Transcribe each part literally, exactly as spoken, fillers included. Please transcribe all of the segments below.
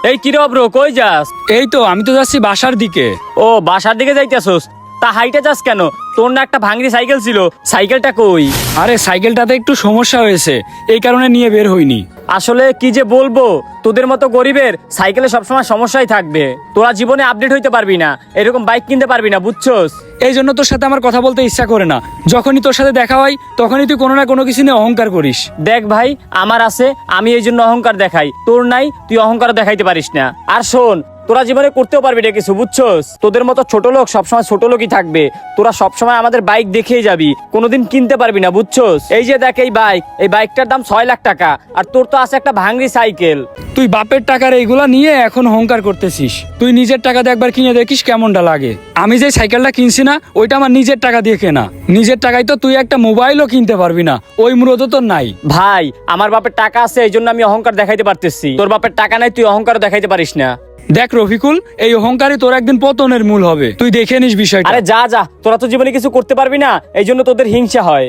এই কি রে ব্রো, কই যাস? এই তো আমি তো যাচ্ছি বাসার দিকে। ও বাসার দিকে যাইতেছস? তা হাইটে যাস কেন? তোর না একটা ভাঙড়ি সাইকেল ছিল, সাইকেলটা কই? আরে সাইকেলটাতে একটু সমস্যা হয়েছে, এই কারণে নিয়ে বের হইনি। আসলে কি যে বলবো, তোদের মতো গরিবের সাইকেলে সবসময় সমস্যাই থাকবে। তোরা জীবনে আপডেট হইতে পারবি না, এরকম বাইক কিনতে পারবি না, বুঝছস? এই জন্য তোর সাথে আমার কথা বলতে ইচ্ছা করে না। যখনই তোর সাথে দেখা হয় তখনই তুই কোনো না কোনো কিছু নিয়ে অহংকার করিস। দেখ ভাই, আমার আছে, আমি এই জন্য অহংকার দেখাই। তোর নাই, তুই অহংকার দেখাইতে পারিস না। আর শোন, তোরা জীবনে করতেও পারবি না কিছু, বুঝছস? তোদের মতো ছোট লোক সবসময় ছোট লোকই থাকবে। তোরা সবসময় আমাদের বাইক দেখেই যাবি, কোনোদিন কিনতে পারবি না, বুঝছস? এই যে দেখ এই বাইক, এই বাইকটার দাম ছয় লাখ টাকা, আর তোর তো আছে একটা ভাঙড়ি সাইকেল। তুই বাপের টাকার এইগুলা নিয়ে এখন অহংকার করতেছিস। তুই নিজের টাকা দিয়ে একবার কিনে দেখিস কেমনটা লাগে। আমি যে সাইকেলটা কিনছি না, ওইটা আমার নিজের টাকা দিয়ে কেনা। নিজের টাকায় তো তুই একটা মোবাইলও কিনতে পারবি না, ওই মূলত তোর নাই। ভাই, আমার বাপের টাকা আছে, এই জন্য আমি অহংকার দেখাইতে পারতেছি। তোর বাপের টাকা নাই, তুই অহংকার দেখাইতে পারিস না। দেখ রফিকুল, এই অহংকারই তোর একদিন পতনের মূল হবে, তুই দেখে নিস বিষয়টা। আরে যা যা, তোরা তো জীবনে কিছু করতে পারবি না, এই জন্য তোদের হিংসা হয়।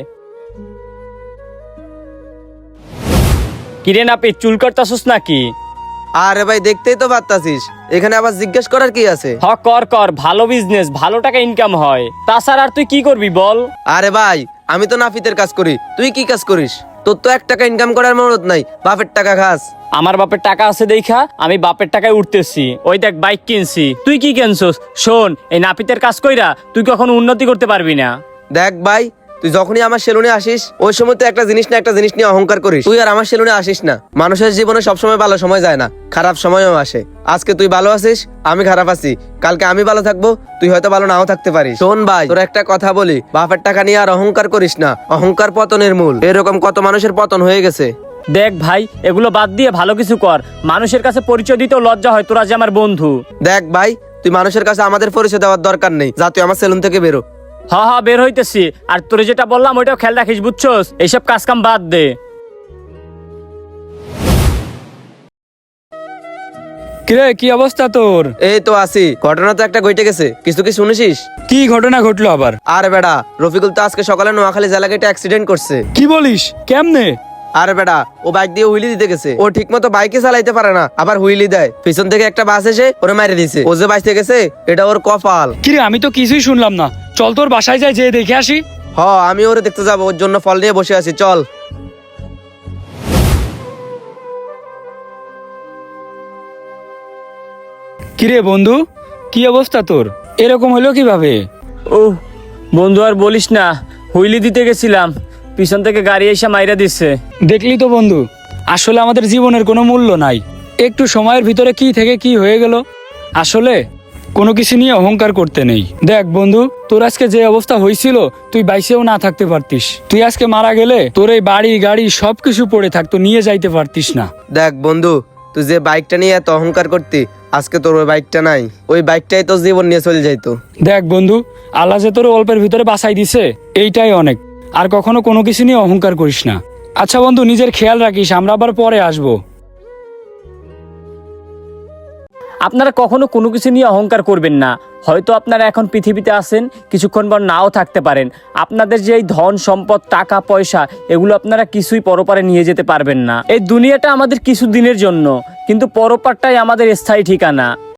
কিরে নাপিত, চুল কাটতাছস নাকি? আরে ভাই, দেখতেই তো পারতাছিস, এখানে আবার জিজ্ঞেস করার কি আছে? হ, কর কর, ভালো বিজনেস, ভালো টাকা ইনকাম হয়। তাছাড়া আর তুই কি করবি বল? আরে ভাই, আমি তো নাপিতের কাজ করি, তুই কি কাজ করিস? তোর তো এক টাকা ইনকাম করার মরদ নাই, বাপের টাকা খাস। আমার বাপের টাকা আছে দেখা আমি বাপের টাকায় উঠতেছি। ওই দেখ বাইক কিনছি, তুই কি কিনছস? শোন, এই নাপিতের কাজ কইরা তুই কখনো উন্নতি করতে পারবি না। দেখ ভাই, তুই যখনই আমার সেলুনে আসিস, ওই সময় তো একটা জিনিস না একটা জিনিস নিয়ে অহংকার করিস। তুই আর আমার সেলুনে আসিস না। মানুষের জীবনে সবসময় ভালো সময় যায় না, খারাপ সময়ও আসে। আজকে তুই ভালো আছিস, আমি খারাপ আছি, কালকে আমি ভালো থাকবো, তুই হয়তো ভালো নাও থাকতে পারিস। শোন ভাই, তোর একটা কথা বলি, বাপের টাকা নিয়ে আর অহংকার করিস না, অহংকার পতনের মূল। এরকম কত মানুষের পতন হয়ে গেছে। দেখ ভাই, এগুলো বাদ দিয়ে ভালো কিছু কর। মানুষের কাছে পরিচয় দিতেও লজ্জা হয়, তোরা যে আমার বন্ধু। দেখ ভাই, তুই মানুষের কাছে আমাদের পরিচয় দেওয়ার দরকার নেই, যা তুই আমার সেলুন থেকে বেরো। হা হা, বের হইতেছি। আর তোরে যেটা বললাম ওইটাও খেয়াল রাখিস, বুঝছস? এইসব কাজ কাম বাদ দে। কিরে, কি অবস্থা তোর? এই তো আছি। ঘটনা তো একটা ঘটে গেছে, কিছু কি শুনেছিস? কি ঘটনা ঘটলো আবার? আরে বেটা, রফিকুল তো আজকে সকালে নোয়াখালী জেলা গেটে অ্যাক্সিডেন্ট করছে। কি বলিস? কেমনে? আরে বেটা, ও বাইক দিয়ে হুইলি দিতে গেছে, ও ঠিক মতো বাইকে চালাইতে পারে না, আবার হুইলি দেয়। পিছন থেকে একটা বাস এসে ওরে মারি দিছে। ও যে বাইতে গেছে, এটা ওর কপাল। কিরে, আমি তো কিছুই শুনলাম না। চল তোর বাসায় যাই, যেয়ে দেখে আসি। হ, আমি ওরে দেখতে যাবো, ওর জন্য ফল নিয়ে বসে আছি, চল। কিরে বন্ধু, কি অবস্থা তোর? এরকম হলো কিভাবে? ও বন্ধু, আর বলিস না, হুইলি দিতে গেছিলাম, পিছন থেকে গাড়ি এসে মাইরা দিচ্ছে। দেখলি তো বন্ধু, আসলে আমাদের জীবনের কোনো মূল্য নাই। একটু সময়ের ভিতরে কি থেকে কি হয়ে গেল। আসলে কোনো কিছু নিয়ে অহংকার করতে নেই। দেখ বন্ধু, তোর আজকে যে অবস্থা হয়েছিল, তুই বাইসেও না থাকতে পারতিস। তুই আজকে মারা গেলে তোর এই বাড়ি গাড়ি সবকিছু পড়ে থাকতো, নিয়ে যাইতে পারতিস না। দেখ বন্ধু, তুই যে বাইকটা নিয়ে এত অহংকার করতি, আজকে তোর ওই বাইকটা নাই, ওই বাইকটাই তোর জীবন নিয়ে চলে যাইতো। দেখ বন্ধু, আল্লাহ যে তোর অল্পের ভিতরে বাঁচাই দিছে, এইটাই অনেক। আর কখনো কোনো কিছু নিয়ে অহংকার করিস না। আচ্ছা বন্ধু, নিজের খেয়াল রাখিস, আমরা আবার পরে আসবো। আপনারা কখনো কোনো কিছু নিয়ে অহংকার করবেন না। হয়তো আপনারা এখন পৃথিবীতে আছেন, কিছুক্ষণ পর নাও থাকতে পারেন। আপনাদের যে এই ধন সম্পদ টাকা পয়সা, এগুলো আপনারা কিছুই পরপারে নিয়ে যেতে পারবেন না। এই দুনিয়াটা আমাদের কিছু দিনের জন্য, কিন্তু পরপারটাই আমাদের স্থায়ী ঠিকানা।